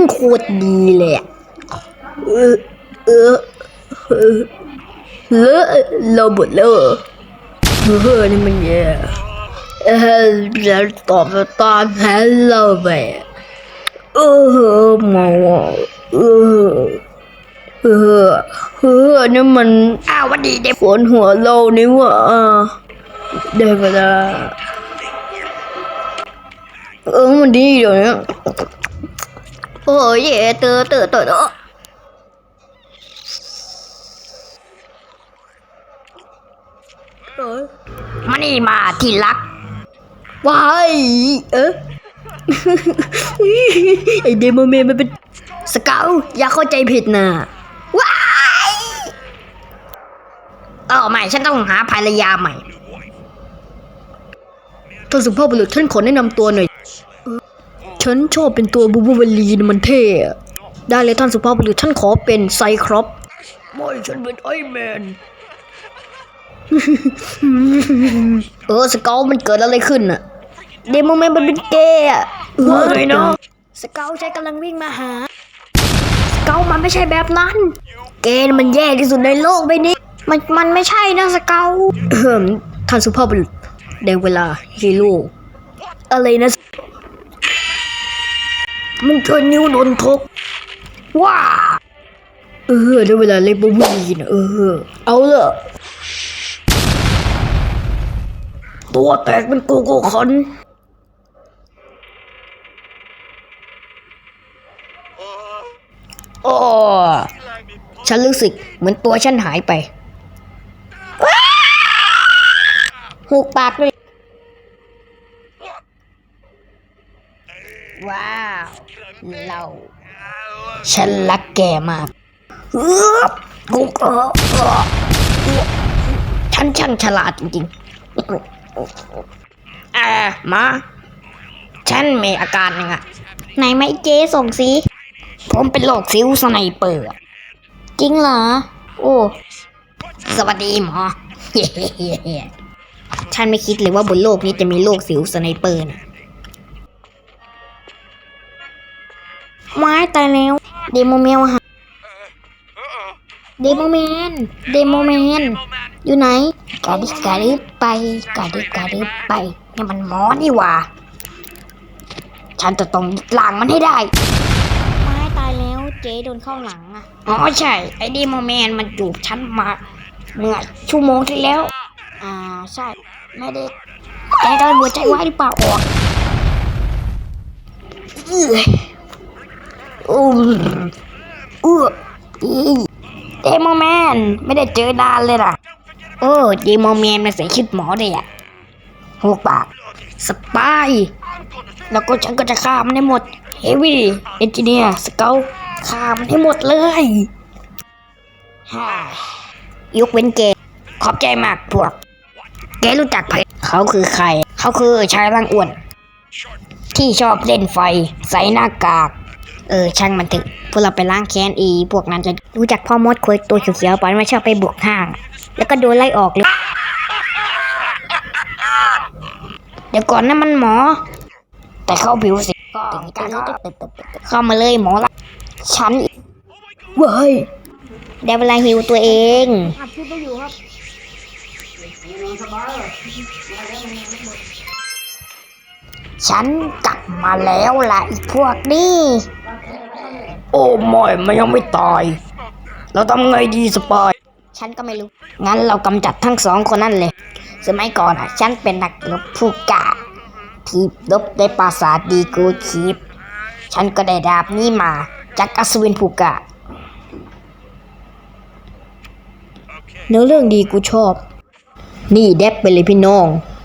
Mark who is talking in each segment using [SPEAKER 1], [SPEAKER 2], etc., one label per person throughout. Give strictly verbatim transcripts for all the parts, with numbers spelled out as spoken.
[SPEAKER 1] โคตรดีเลยอะเออเออเออเลอะเราหมดแล้วเฮ้ยนี่มันแย่เออจะตอบตามแผนเราไปเออมาเออเออเออนี่มันอ้าววันดีเด็กฝนหัวเรานี่วะได้เวลาเออมันดีเดี๋ยวนี้โอ้ยเตอเตอเตอเตอมานี่มาที่รักว้ายเออ ไอเดโมเมนมันเป็นสเกลอย่าเข้าใจผิดนะว้ายเออไม่ฉันต้องหาภรรยาใหม่ท่านสุภาพบุรุษท่านขอแนะนำตัวหน่อยฉันชอบเป็นตัวบูบูเวลีนมันเท่ได้เลยท่านสุภาพบุรุษท่านขอเป็นไซครอปไม่ฉันเป็นไอแมน เออสเกลมันเกิดอะไรขึ้นน่ะเดโมแมนมันเป็นเกย์อะว่าไงเนาะสเกลใช้กำลังวิ่งมาหาสเกลมันไม่ใช่แบบนั้นเกย์มันแย่ที่สุดในโลกใบนี้มันมันไม่ใช่นะสเกลท่านสุภาพบุรุษได้เวลาฮีโร่อะไรนะมึงเจอนิ้วโดนทกว้าเออได้เวลาเล่นบูบูลีนะเออเอาละตัวแตกเป็นโกโก้คันโอ้ฉันรู้สึกเหมือนตัวฉันหายไปหูปากเลยว้าวเราฉันรักแกมากกูก็ฉันช่างฉลาดจริงๆอ่ามาฉันมีอาการยังไงไหนไหมเจ๊ส่งสิผมเป็นโรคซิวสไนเปอร์จริงเหรอโอ้สวัสดีหมอ ฉันไม่คิดเลยว่าบนโลกนี้จะมีโรคซิวสไนเปอร์นะไม้ตายแล้วเดโมเมลฮะเดโมแมนเดโมแมนอยู่ไหนกาดิกาดิไปกาดิกาดิไปนี่มันหมอนี่หว่าฉันจะต้องล้างมันให้ได้ไม้ตายแล้วเจ๊โดนเข้าหลังอ่ะอ๋อใช่ไอ้เดโมแมนมันจูบฉันมาเมื่อชั่วโมงที่แล้วอ่าใช่ไม่ได้แกโดนหัวใจวายหรือเปล่าออกเออโอ้เออเดโมแมนไม่ได้เจอนานเลยล่ะโอ้เดโมแมนมาใส่ชุดหมอเลยอ่ะหัวปากสปายแล้วก็ฉันก็จะฆ่ามันให้หมดเฮฟวี่เอนจิเนียร์สเกลฆ่ามันให้หมดเลยฮ่ายกเว้นเกขอบใจมากพวกแกรู้จักใครเขาคือใครเขาคือชายร่างอ้วนที่ชอบเล่นไฟใส่หน้ากากเออช่างมันเถอะพวกเราไปล้างแค้นอีพวกนั้นจะรู้จักพ่อมดคุยตัวเขียวๆปอนไม่ชอบไปบวกห้างแล้วก็โดนไล่ออกเลยเดี๋ยวก่อนนะมันหมอแต่เข้าผิวสิเข้ามาเลยหมอละฉันเว้ยได้เวลาหิวตัวเองฉันกลับมาแล้วล่ะอีกพวกนี้โอ้ไม่มันยังไม่ตายเราทำไงดีสปายฉันก็ไม่รู้งั้นเรากำจัดทั้งสองคนนั่นเลยสมัยก่อนอ่ะฉันเป็นนักรบผู้กล้าที่รบในปราสาทดีกูคีปฉันก็ได้ดาบนี้มาจากอัศวินผู้กล้าเนื้อเรื่องดีกูชอบนี่เด็บไปเลยพี่น้อง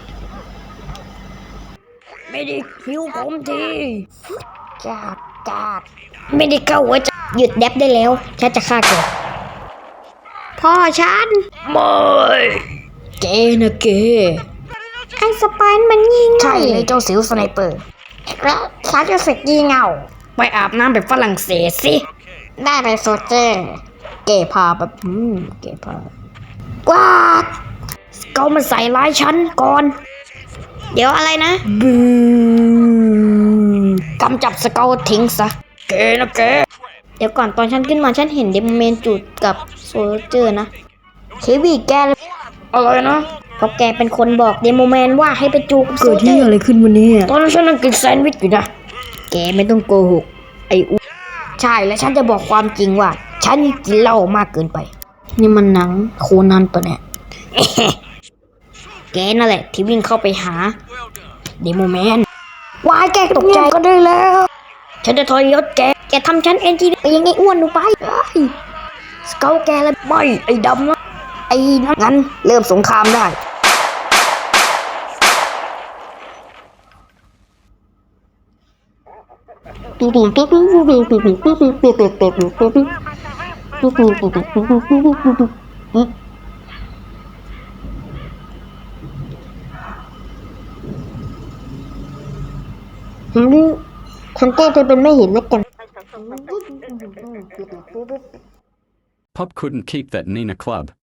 [SPEAKER 1] ไม่ได้คิวผมทีกาดกาดไม่ได้เข้าหัวใจหยุดเด็บได้แล้วฉันจะฆ่าแกพ่อฉันไม่เกนะเกไอ้สไปน์มันยิงใช่เลยเจ้าสิวสไนเปอร์แล้วฉันจะเสกยิงเอาไปอาบน้ำแบบฝรั่งเศสสิได้ไปโซเจอร์เกพาแบบอืมเกพากวาดเขามาใส่ร้ายฉันก่อนเดี๋ยวอะไรนะบูกำจับสเกลทิ้งซะแกนะแกเดี๋ยวก่อนตอนฉันขึ้นมาฉันเห็นเดโมแมนจูดกับโซลเจอร์นะเควีแกเลยอะไรนะเพราะแกเป็นคนบอกเดโมแมนว่าให้ไปจูบกับโซลเจอร์เกิดที่อะไรขึ้นวันนี้ตอนนั้นฉันนั่งกินแซนด์วิชอยู่นะแกไม่ต้องโกหกไอ้อุใช่แล้วฉันจะบอกความจริงว่าฉันกินเหล้ามากเกินไปนี่มันหนังโคนันปะเนี่ย แกนั่นแหละที่วิ่งเข้าไปหาเดโมแมนวายแกตกใจก็ได้แล้ว ฉันจะทรยศแก แกทำฉันเอ็นจีไปยังไงอ้วนหนูไปไอ้สเกลแกแล้วไม่ไอ้ดำนะไอ้นั้นงั้นเริ่มสงครามได้ฉันแกล้งเธอเป็นไม่เห็นแล้วกัน
[SPEAKER 2] Pup couldn't keep that Nina club.